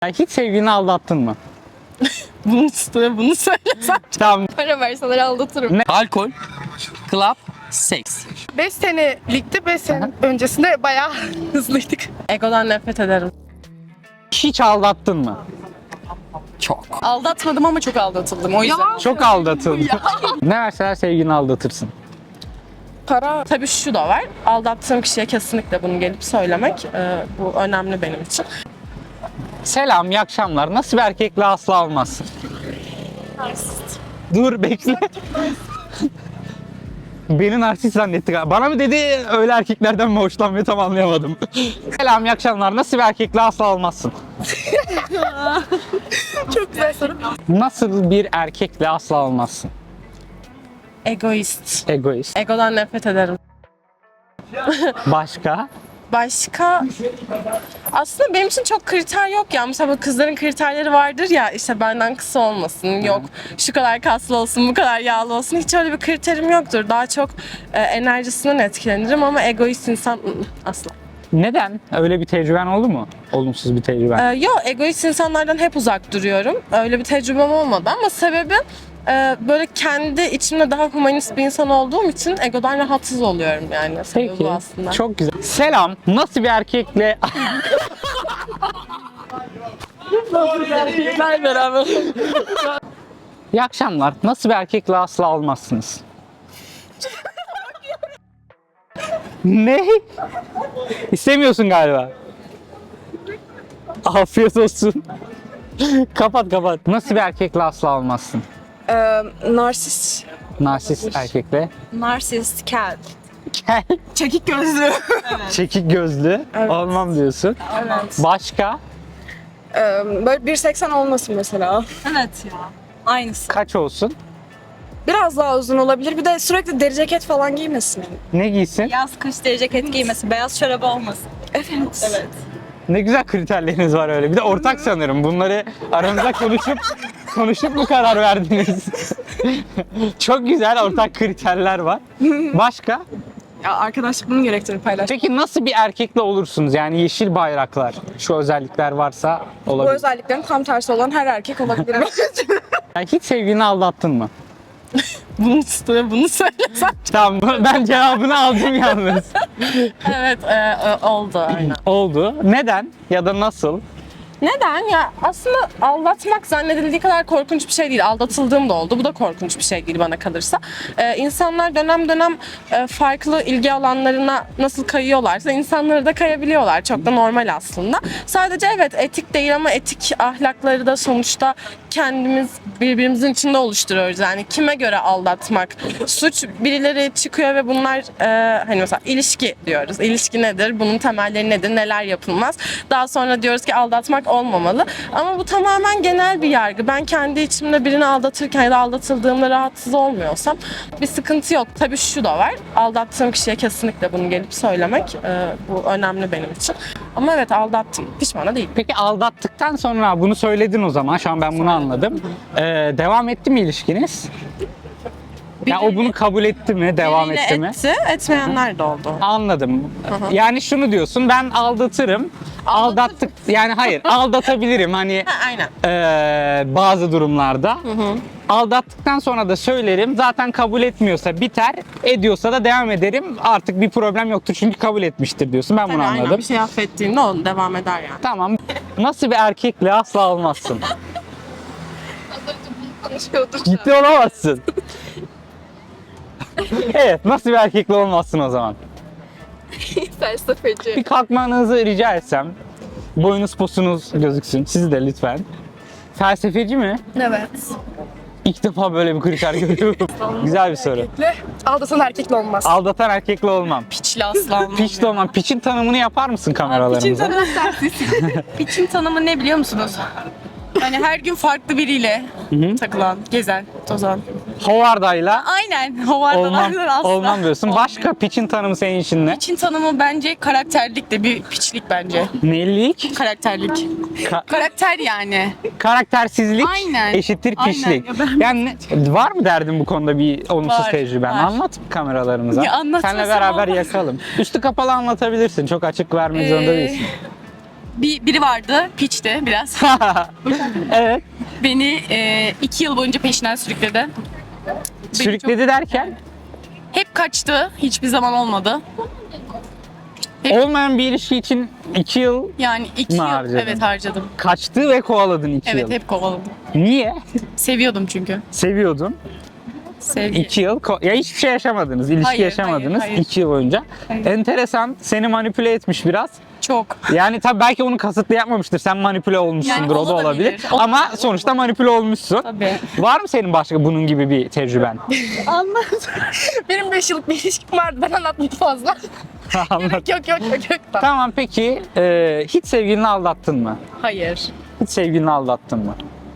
Hiç sevgilini aldattın mı? Bunun üstüne bunu söylesem. Tamam. Para verseler aldatırım. Alkol, club, seks. 5 senelikti, 5 sene öncesinde bayağı hızlıydık. Egodan nefret ederim. Hiç aldattın mı? Çok. Aldatmadım ama çok aldatıldım. O yüzden. Çok aldatıldın. Ne verseler sevgilini aldatırsın. Para. Tabii şu da var. Aldattığım kişiye kesinlikle bunu gelip söylemek. Bu önemli benim için. Selam, iyi akşamlar. Nasıl bir erkekle asla olmazsın? Dur bekle. Beni narsist zannetti galiba. Bana mı dedi öyle erkeklerden mi hoşlanmıyor tam anlayamadım. Selam, iyi akşamlar. Nasıl bir erkekle asla olmazsın? Çok güzel soru. Nasıl bir erkekle asla olmazsın? Egoist. Egoist. Egodan nefret ederim. Başka? Başka aslında benim için çok kriter yok ya. Mesela kızların kriterleri vardır ya, işte benden kısa olmasın, yok şu kadar kaslı olsun, bu kadar yağlı olsun. Hiç öyle bir kriterim yoktur. Daha çok enerjisinden etkilenirim ama egoist insan asla. Neden? Öyle bir tecrüben oldu mu? Olumsuz bir tecrüben. Yok, egoist insanlardan hep uzak duruyorum. Öyle bir tecrübem olmadı ama sebebi böyle kendi içimde daha humanist bir insan olduğum için egodan rahatsız oluyorum yani. Sebebi Peki. bu aslında. Çok güzel. Selam. Nasıl bir erkekle erkekler beraber. İyi akşamlar. Nasıl bir erkekle asla olmazsınız? Ne? İstemiyorsun galiba. Afiyet olsun. Kapat. Nasıl bir erkekle asla olmazsın? Narsist. Narsist erkekle. Narsist, kel. Kel, Çekik gözlü. çekik gözlü. Olmam diyorsun. Evet. Başka? Böyle 1.80 olmasın mesela. Evet ya. Aynısı. Kaç olsun? Biraz daha uzun olabilir. Bir de sürekli deri ceket falan giymesin. Ne giysin? Yaz kış deri ceket giymesi. Beyaz çorabı olmasın. Evet. Evet. Ne güzel kriterleriniz var öyle. Bir de ortak sanırım. Bunları aranızda konuşup mu karar verdiniz? Çok güzel ortak kriterler var. Başka? Ya arkadaşlık bunu gerektirir, paylaş. Peki nasıl bir erkekle olursunuz? Yani yeşil bayraklar. Şu özellikler varsa Bu olabilir. özelliklerin tam tersi olan her erkek olabilir. Yani hiç sevgilini aldattın mı? Bunun üstüne bunu söylesem. Tamam ben cevabını aldım yalnız. Evet, oldu aynen. Oldu. Neden? Ya da nasıl? Neden? Ya aslında aldatmak zannedildiği kadar korkunç bir şey değil. Aldatıldığım da oldu. Bu da korkunç bir şey değil bana kalırsa. İnsanlar dönem dönem farklı ilgi alanlarına nasıl kayıyorlarsa insanları da kayabiliyorlar. Çok da normal aslında. Sadece evet etik değil ama etik ahlakları da sonuçta kendimiz birbirimizin içinde oluşturuyoruz. Yani kime göre aldatmak suç? Birileri çıkıyor ve bunlar hani mesela ilişki diyoruz. İlişki nedir? Bunun temelleri nedir? Neler yapılmaz? Daha sonra diyoruz ki aldatmak olmamalı. Ama bu tamamen genel bir yargı. Ben kendi içimde birini aldatırken ya da aldatıldığımda rahatsız olmuyorsam bir sıkıntı yok. Tabii şu da var. Aldattığım kişiye kesinlikle bunu gelip söylemek bu önemli benim için. Ama evet aldattım. Pişman da değilim. Peki aldattıktan sonra bunu söyledin o zaman. Şu an ben bunu anladım. Devam etti mi ilişkiniz? Ya o bunu kabul etti mi? Devam Biriyle etti mi? etti, etmeyenler de oldu. Anladım. Yani şunu diyorsun, ben aldatırım. Aldattık, yani hayır, aldatabilirim hani Ha, aynen. bazı durumlarda. Aldattıktan sonra da söylerim. Zaten kabul etmiyorsa biter, ediyorsa da devam ederim. Artık bir problem yoktur çünkü kabul etmiştir diyorsun. Ben bunu Tabii, aynen. anladım. Bir şey affettiğinde o devam eder yani. Tamam. Nasıl bir erkekle asla olmazsın? Ciddi olamazsın. Evet, nasıl bir erkekle olmazsın o zaman? Felsefeci. Bir kalkmanızı rica etsem. Boyunuz posunuz gözüksün. Siz de lütfen. Felsefeci mi? Evet. İlk defa böyle bir kriter görüyorum. Güzel bir soru. Aldatan erkekle olmaz. Aldatan erkekle olmam. Piçli aslan. Piç de olmam. Piçin tanımını yapar mısın kameralarımıza? Piçin tanımı ne biliyor musunuz? Hani her gün farklı biriyle takılan, gezen, tozan. Hovardayla Aynen. olmam, Hovardalardan asla. olmam diyorsun. Başka piçin tanımı senin için ne? Piçin tanımı bence karakterlik de bir piçlik bence. Neylik? Karakterlik. Karakter yani. Karaktersizlik Aynen. eşittir Aynen. piçlik. Ya ben- Yani var mı derdin bu konuda bir olumsuz Var, tecrüben? var. Anlat kameralarımıza. Ya anlatmasam Seninle beraber olmaz. yakalım. Üstü kapalı anlatabilirsin. Çok açık vermek zorunda değilsin. biri vardı, piçti biraz. Evet. Beni 2 yıl boyunca peşinden sürükledi. Sürükledi derken Hep kaçtı, hiçbir zaman olmadı. olmayan bir ilişki için 2 yıl Yani 2 yıl harcadın? evet harcadım. kaçtı ve kovaladın 2 Evet yıl. hep kovaladım. Niye? Seviyordum çünkü. Seviyordun. Sevgi. 2 yıl ya hiçbir şey yaşamadınız, ilişki Hayır, yaşamadınız hayır. 2 yıl boyunca. Enteresan, seni manipüle etmiş biraz. Çok. Yani tabii belki onu kasıtlı yapmamıştır. Sen manipüle olmuşsundur, Yani o da olabilir. olabilir. Ama sonuçta manipüle olmuşsun. Tabii. Var mı senin başka bunun gibi bir tecrüben? Benim 5 yıllık bir ilişkim vardı. Ben anlatmadım fazla. Anlat. Yok. Tamam peki hiç sevgilini aldattın mı? Hayır. Hiç sevgilini aldattın mı?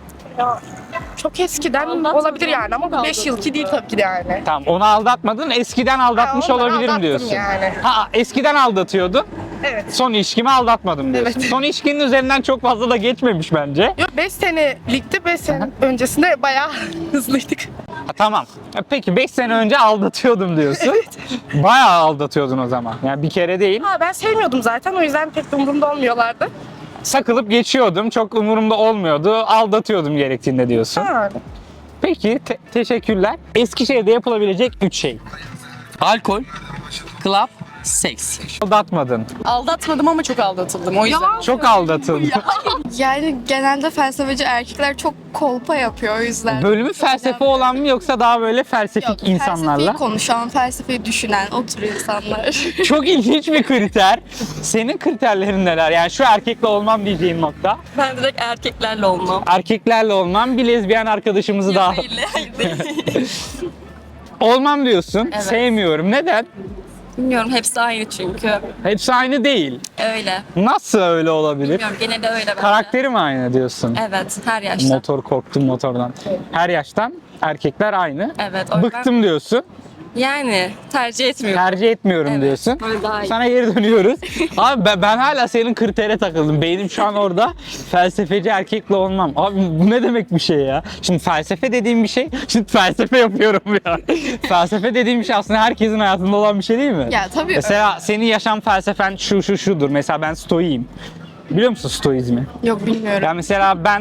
Çok eskiden olabilir yani ama bu 5 yılki değil tabii ki de yani. Tamam, onu aldatmadın, eskiden aldatmış Ha, onu olabilirim aldattım diyorsun. yani. Ha, eskiden aldatıyordun. Evet. Son ilişkimi aldatmadım diyorsun. Evet. Son ilişkinin üzerinden çok fazla da geçmemiş bence. Yok 5 senelikti. 5 sene öncesinde bayağı hızlıydık. Ha, tamam. Peki 5 sene önce aldatıyordum diyorsun. Bayağı aldatıyordun o zaman. Yani bir kere değil. Ha, ben sevmiyordum zaten o yüzden pek de umurumda olmuyorlardı. Sakılıp geçiyordum. Çok umurumda olmuyordu. Aldatıyordum gerektiğinde diyorsun. Ha. Peki teşekkürler. Eskişehir'de yapılabilecek 3 şey. Alkol, club, seks. Aldatmadın. Aldatmadım ama çok aldatıldım o yüzden. Çok aldatıldın. Yani genelde felsefeci erkekler çok kolpa yapıyor o yüzden. Bölümü felsefe olan mı yoksa daha böyle felsefik insanlarla? Felsefeyi konuşan, felsefeyi düşünen o tür insanlar. Çok ilginç bir kriter. Senin kriterlerin neler? Yani şu erkekle olmam diyeceğin nokta. Ben direkt erkeklerle olmam. Erkeklerle olmam, bir lezbiyen arkadaşımızı daha... Hayır değil. Olmam diyorsun. Evet. Sevmiyorum. Neden? Bilmiyorum hepsi aynı çünkü. Hepsi aynı değil. Öyle. Nasıl öyle olabilir? Bilmiyorum gene de öyle bence. Karakteri mi aynı diyorsun? Evet her yaşta. Motor, korktum motordan. Her yaştan erkekler aynı. Evet, o yüzden- Bıktım diyorsun. Yani tercih etmiyorum. Tercih etmiyorum Evet, diyorsun. öyle daha iyi. Sana geri dönüyoruz. Abi ben hala senin kritere takıldım. Beynim şu an orada, felsefeci erkekle olmam. Abi bu ne demek bir şey ya? Şimdi felsefe dediğim bir şey, şimdi felsefe yapıyorum ya. Felsefe dediğim bir şey aslında herkesin hayatında olan bir şey değil mi? Ya tabii Mesela senin yaşam felsefen şudur. Mesela ben stoiyim. Biliyor musun stoizmi? Yok bilmiyorum. Yani mesela ben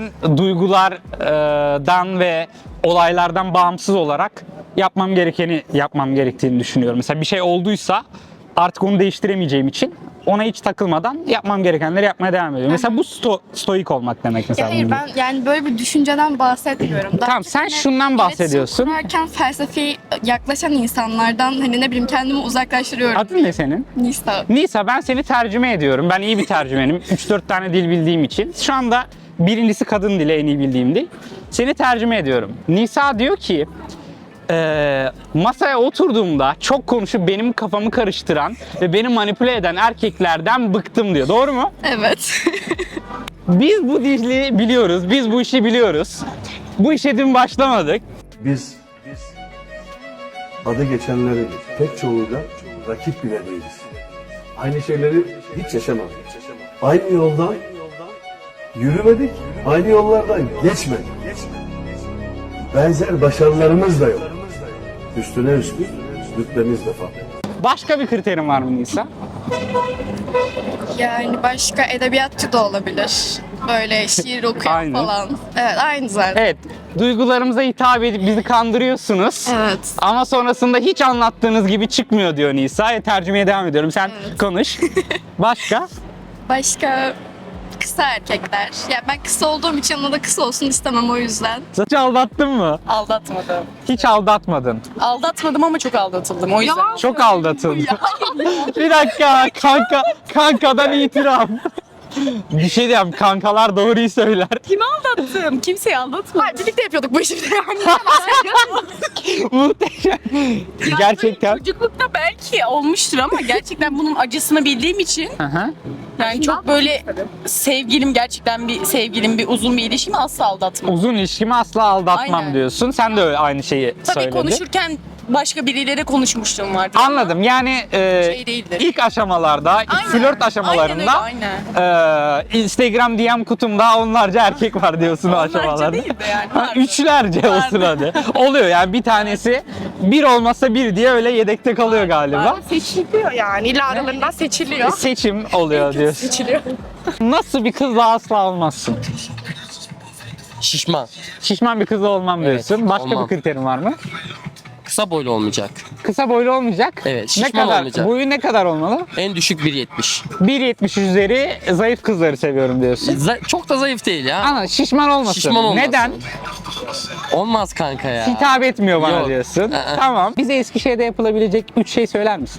duygulardan ve olaylardan bağımsız olarak yapmam gerektiğini düşünüyorum. Mesela bir şey olduysa artık onu değiştiremeyeceğim için ona hiç takılmadan yapmam gerekenleri yapmaya devam ediyorum. Mesela bu stoik olmak demek mesela. Ya hayır bunun ben yani böyle bir düşünceden bahsetmiyorum. Daha Tamam, çok sen hani şundan bahsediyorsun. iletişim kurarken felsefeyi yaklaşan insanlardan hani ne bileyim kendimi uzaklaştırıyorum. Adın ne senin? Nisa. Nisa, ben seni tercüme ediyorum. Ben iyi bir tercümenim. 3-4 tane dil bildiğim için. Şu anda birincisi kadın dili, en iyi bildiğim dil. Seni tercüme ediyorum. Nisa diyor ki masaya oturduğumda çok konuşup benim kafamı karıştıran ve beni manipüle eden erkeklerden bıktım diyor. Doğru mu? Evet. Biz bu dili biliyoruz. Biz bu işi biliyoruz. Bu işe dün başlamadık. Biz adı geçenleri pek çoğuyla rakip bile değiliz. Aynı şeyleri hiç yaşamadık. Aynı yoldan yürümedik, aynı yollardan geçmedik. Benzer başarılarımız da yok. Üstüne üstlük rütbemiz de farklı. Başka bir kriterin var mı Nisa? Yani başka edebiyatçı da olabilir. Böyle şiir okuyan Aynı. falan. Evet aynı zaten. Evet. Duygularımıza hitap edip bizi kandırıyorsunuz. Evet. Ama sonrasında hiç anlattığınız gibi çıkmıyor diyor Nisa. Tercümeye devam ediyorum. Sen konuş. Başka? Başka kısa erkekler. Ya ben kısa olduğum için ona da kısa olsun istemem o yüzden. Hiç aldattın mı? Aldatmadım. Hiç aldatmadın. Aldatmadım ama çok aldatıldım o yüzden. Çok aldatıldın. Bir dakika kankadan itiraf. Bir şey diyeyim, kankalar doğruyu söyler. Kimi aldattım? Kimseyi aldatmadım. Hayır, birlikte yapıyorduk bu işi. Muhteşem. Gerçekten. Çocuklukta belki olmuştur ama gerçekten bunun acısını bildiğim için Aha. yani çok böyle gerçekten bir sevgilim, bir uzun bir ilişkimi asla aldatmam. Uzun ilişkimi asla aldatmam Aynen. diyorsun. Sen de öyle aynı şeyi Tabii söyledin. konuşurken başka biriyle de konuşmuşluğum vardı. Anladım. Yani Şey değildir. ilk aşamalarda, ilk flört aşamalarında Aynen. Instagram DM kutumda onlarca erkek var diyorsun o aşamalarda. değil de yani. Ha, üçlerce olsun hadi. Oluyor yani bir tanesi bir olmazsa bir diye öyle yedekte kalıyor galiba. Seçiliyor yani. İlla aralarından seçiliyor. Seçim oluyor diyorsun. Seçiliyor. Nasıl bir kızla asla olmazsın? Şişman. Şişman bir kızla olmam Evet, diyorsun. Başka olmam. bir kriterin var mı? Kısa boylu olmayacak. Kısa boylu olmayacak. Evet, Ne şişman kadar? olmayacak. Boyu ne kadar olmalı? En düşük 1.70. 1.70 üzeri zayıf kızları seviyorum diyorsun. Çok da zayıf değil ya. Ama şişman olmasın. Şişman olmasın. Neden? Olmaz kanka ya. Hitap etmiyor bana Yok. diyorsun. Tamam. Bize Eskişehir'de yapılabilecek 3 şey söyler misin?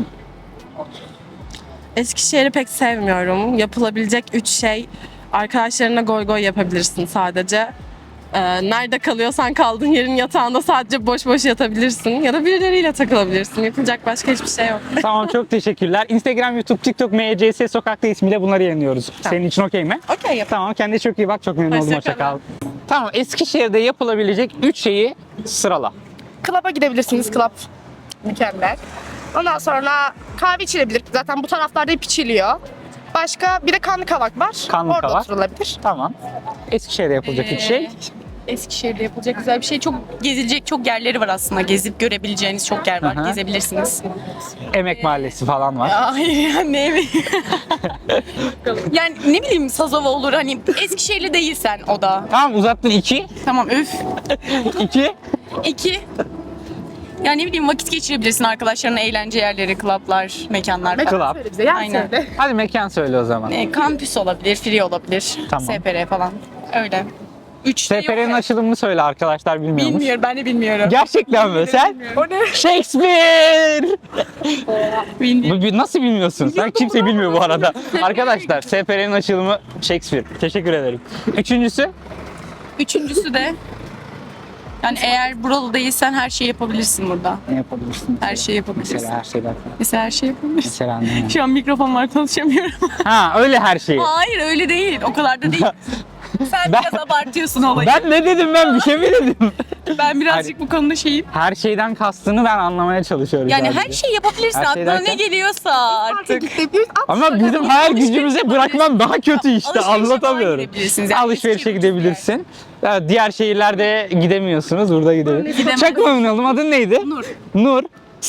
Eskişehir'i pek sevmiyorum. Yapılabilecek 3 şey. Arkadaşlarına goy goy yapabilirsin sadece. Nerede kalıyorsan kaldığın yerin yatağında sadece boş boş yatabilirsin. Ya da birileriyle takılabilirsin. Yapılacak başka hiçbir şey yok. Tamam, çok teşekkürler. Instagram, YouTube, TikTok, MCS Sokak'ta ismiyle bunları yayınlıyoruz. Senin için okey mi? Okey yap. Tamam, kendine çok iyi bak. Çok memnun oldum. Hoşça Hoşça kal. Tamam, Eskişehir'de yapılabilecek 3 şeyi sırala. Klaba gidebilirsiniz. Klab mükemmel. Ondan sonra kahve içilebilir. Zaten bu taraflarda hep içiliyor. Başka bir de Kanlı Kavak var. Kanlı Orada Kavak. oturulabilir. Tamam. Eskişehir'de yapılacak 3 şey. Eskişehir'de yapılacak güzel bir şey. Çok gezilecek çok yerleri var aslında. Gezip görebileceğiniz çok yer var. Aha. Gezebilirsiniz. Emek Mahallesi falan var. Hayır ya ne mi? Yani ne bileyim Sazova olur hani Eskişehirli değilsen o da. Tamam, uzattın 2. Tamam öf. 2. 2. Yani ne bileyim vakit geçirebilirsin arkadaşlarının eğlence yerleri, klaplar, mekanlar falan. Club. Söyle bize. Yer Aynen. söyle. Hadi mekan söyle o zaman. Kampüs olabilir, free olabilir, Tamam. SPR falan. Öyle. 3 SPR'nin açılımını söyle, arkadaşlar bilmiyormuş. Bilmiyorum ben de bilmiyorum. Gerçekten mi? Sen? O ne? Shakespeare! Bilmiyorum. Nasıl bilmiyorsun? Sen kimse bilmiyor bu arada. Arkadaşlar, SPR'nin açılımı Shakespeare. Teşekkür ederim. Üçüncüsü? Üçüncüsü de yani eğer buralı değilsen her şeyi yapabilirsin burada. Ne yapabilirsin? Her şeyi yapabilirsin. Mesela her şeyden. Mesela her şeyi yapabilirsin. Mesela ne? Şu an mikrofon var konuşamıyorum. Ha, öyle her şeyi. Hayır öyle değil. O kadar da değil. Sen Ben- biraz abartıyorsun olayı. Ben ne dedim, ben bir şey mi dedim? Ben birazcık bu konuda şeyim. Her şeyden kastını ben anlamaya çalışıyorum. Yani sadece. her şeyi yapabilirsin. Her şey Aklına ne derken? geliyorsa artık. Ama bizim hayal gücümüze bırakmam daha kötü işte, Alışverişe anlatamıyorum. falan gidebilirsiniz. Yani Alışverişe Eskişehir'de gidebilirsin. Ya diğer şehirlerde gidemiyorsunuz, burada gidebilirsiniz. Gidemem. Çok memnun oldum. Adın neydi? Nur. Nur.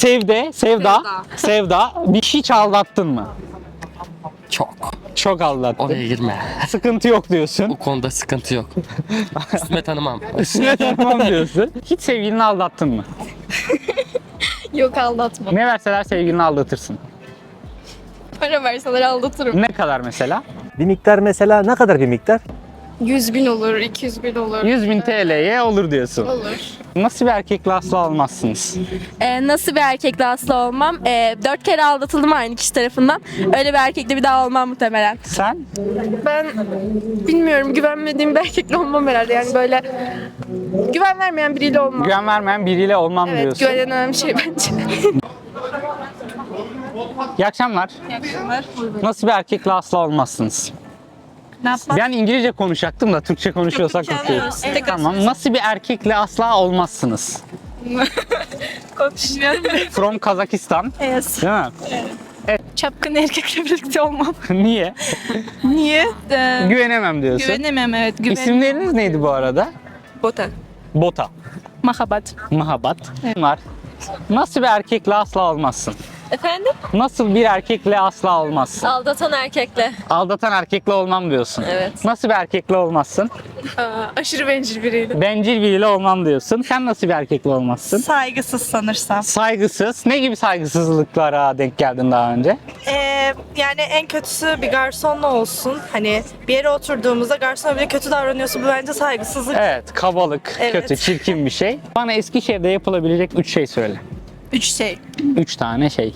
Sevda. Bir hiç aldattın mı? Çok. Çok aldattın. Oraya girme. Sıkıntı yok diyorsun. Bu konuda sıkıntı yok. Üstüme tanımam. Üstüne tanımam diyorsun. Hiç sevgilini aldattın mı? Yok aldatma. Ne verseler sevgilini aldatırsın. Para verseler aldatırım. Ne kadar mesela? Bir miktar mesela ne kadar bir miktar? 100.000 olur, 200.000 olur. 100.000 TL'ye olur diyorsun. Olur. Nasıl bir erkekle asla olmazsınız? Nasıl bir erkekle asla olmam? 4 kere aldatıldım aynı kişi tarafından. Öyle bir erkekle bir daha olmam muhtemelen. Sen? Ben bilmiyorum. Güvenmediğim bir erkekle olmam herhalde. Yani böyle güven vermeyen biriyle olmam. Güven vermeyen biriyle olmam Evet, diyorsun. güven en önemli şey bence. İyi akşamlar. Nasıl bir erkekle asla olmazsınız? Ne yapmak? Ben İngilizce konuşacaktım da Türkçe konuşuyorsak okey. Tamam. Nasıl bir erkekle asla olmazsınız? Konuşmuyorum. From Kazakistan. Evet. Değil mi? Çapkın erkekle birlikte olmam. Niye? Niye? Güvenemem diyorsun. Güvenemem evet. İsimleriniz neydi bu arada? Bota. Bota. Mahabat. Mahabat. Var. Nasıl bir erkekle asla olmazsın? Efendim? Nasıl bir erkekle asla olmazsın? Aldatan erkekle. Aldatan erkekle olmam diyorsun. Evet. Nasıl bir erkekle olmazsın? Aşırı bencil biriyle. Bencil biriyle olmam diyorsun. Sen nasıl bir erkekle olmazsın? Saygısız sanırsam. Saygısız. Ne gibi saygısızlıklara denk geldin daha önce? Yani en kötüsü bir garsonla olsun. Hani bir yere oturduğumuzda garsona bile kötü davranıyorsa bu bence saygısızlık. Evet, kabalık, Evet. kötü, çirkin bir şey. Bana Eskişehir'de yapılabilecek 3 şey söyle. 3 şey. 3 tane şey.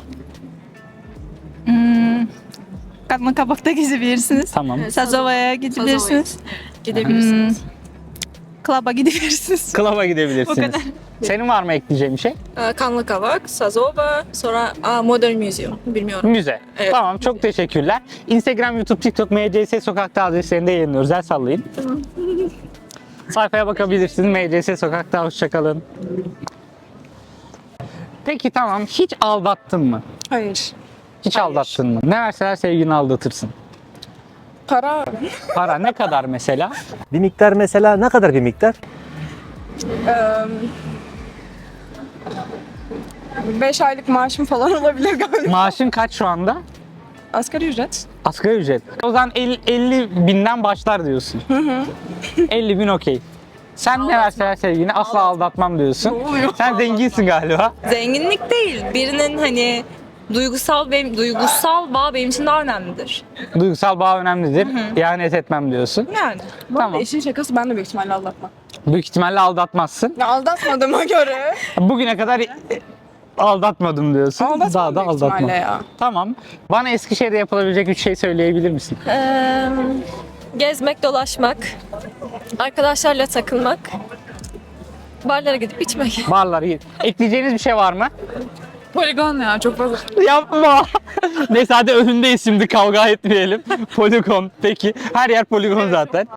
Kanlı Kabak'ta gezebilirsiniz. Tamam. Sazova'ya gidebilirsiniz. Gidebilirsiniz. Klaba gidebilirsiniz. Klaba gidebilirsiniz. O kadar. Senin var mı ekleyeceğin bir şey? Kanlı Kavak, Sazova, sonra Modern Museum. Bilmiyorum. Müze. Evet. Tamam, çok teşekkürler. Instagram, YouTube, TikTok, MCS Sokak'ta adreslerinde yayınlıyoruz. El sallayın. Sayfaya bakabilirsiniz. MCS Sokak'ta hoşçakalın. Peki tamam, hiç aldattın mı? Hayır. Hiç aldattın mı? Ne verseler sevgilini aldatırsın. Para Para ne kadar mesela? Bir miktar mesela ne kadar bir miktar? 5 aylık maaşım falan olabilir galiba. Maaşın kaç şu anda? Asgari ücret. Asgari ücret. O zaman 50 binden başlar diyorsun. 50 bin okey. Sen ne verseler sevgilini asla aldatmam diyorsun. Sen zenginsin galiba. Zenginlik değil. Birinin hani duygusal bağ benim için daha önemlidir. Duygusal bağ önemlidir. İhanet etmem diyorsun. Yani. Tamam. İşin şakası ben de büyük ihtimalle aldatmam. Büyük ihtimalle aldatmazsın. Ya aldatmadığıma göre. Bugüne kadar aldatmadım diyorsun. Aldatmam Daha da büyük aldatmam. ihtimalle ya. Tamam. Bana Eskişehir'de yapılabilecek 3 şey söyleyebilir misin? Gezmek, dolaşmak, arkadaşlarla takılmak, barlara gidip içmek. Barlar iyi. Ekleyeceğiniz bir şey var mı? Poligon ya çok fazla. Yapma. Neyse hadi önündeyiz şimdi, kavga etmeyelim. Poligon. Peki. Her yer poligon zaten.